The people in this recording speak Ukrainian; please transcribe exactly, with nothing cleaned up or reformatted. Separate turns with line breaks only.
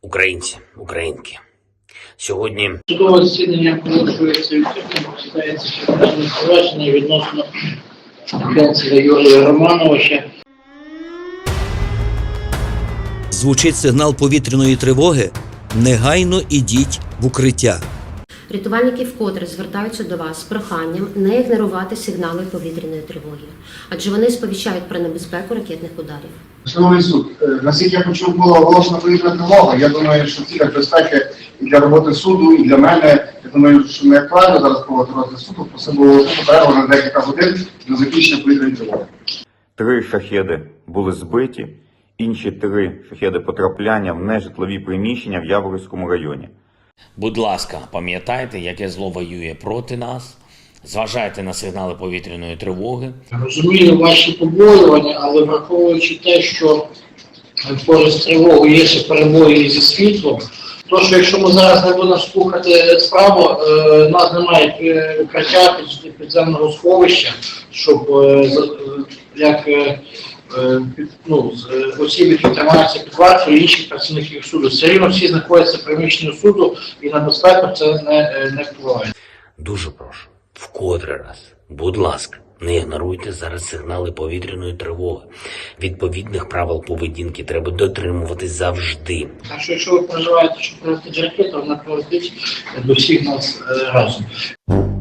Українці, українки, сьогодні
Судове засідання продовжується відкритим, розглядається кримінальне провадження відносно Генцеля Юрія Романовича.
Звучить сигнал повітряної тривоги. Негайно ідіть в укриття.
Рятувальники вкотре звертаються до вас з проханням не ігнорувати сигнали повітряної тривоги, адже вони сповіщають про небезпеку ракетних ударів.
Шановний суд, наскільки я почув, була оголошена повітряна тривога. Я думаю, що ці безпеки і для роботи суду, і для мене. Я думаю, що не актуально зараз проводити розгляд суду, просто було перерву на декілька годин до закінчення повітряної тривоги.
Три шахеди були збиті, інші три шахеди потрапляння в нежитлові приміщення в Яворівському районі.
будь ласка, пам'ятайте, яке зло воює проти нас, зважайте на сигнали повітряної тривоги.
Розумію ваші побоювання, але враховуючи те, що поряд з тривогою є ще перебої зі світлом, то що якщо ми зараз не будемо слухати справу, е, нас немає укриття підземного сховища, щоб е, як е, під, ну, осіб, які тримаються під вартою, і інших працівників суду. Все рівно всі знаходяться в приміщенні суду, і на безпеку це не, не впливає.
Дуже прошу, вкотре раз, будь ласка, не ігноруйте зараз сигнали повітряної тривоги. Відповідних правил поведінки треба дотримуватись завжди.
Так що, якщо ви переживаєте, що прилетить ракета, вона прилетить до всіх нас е, разом.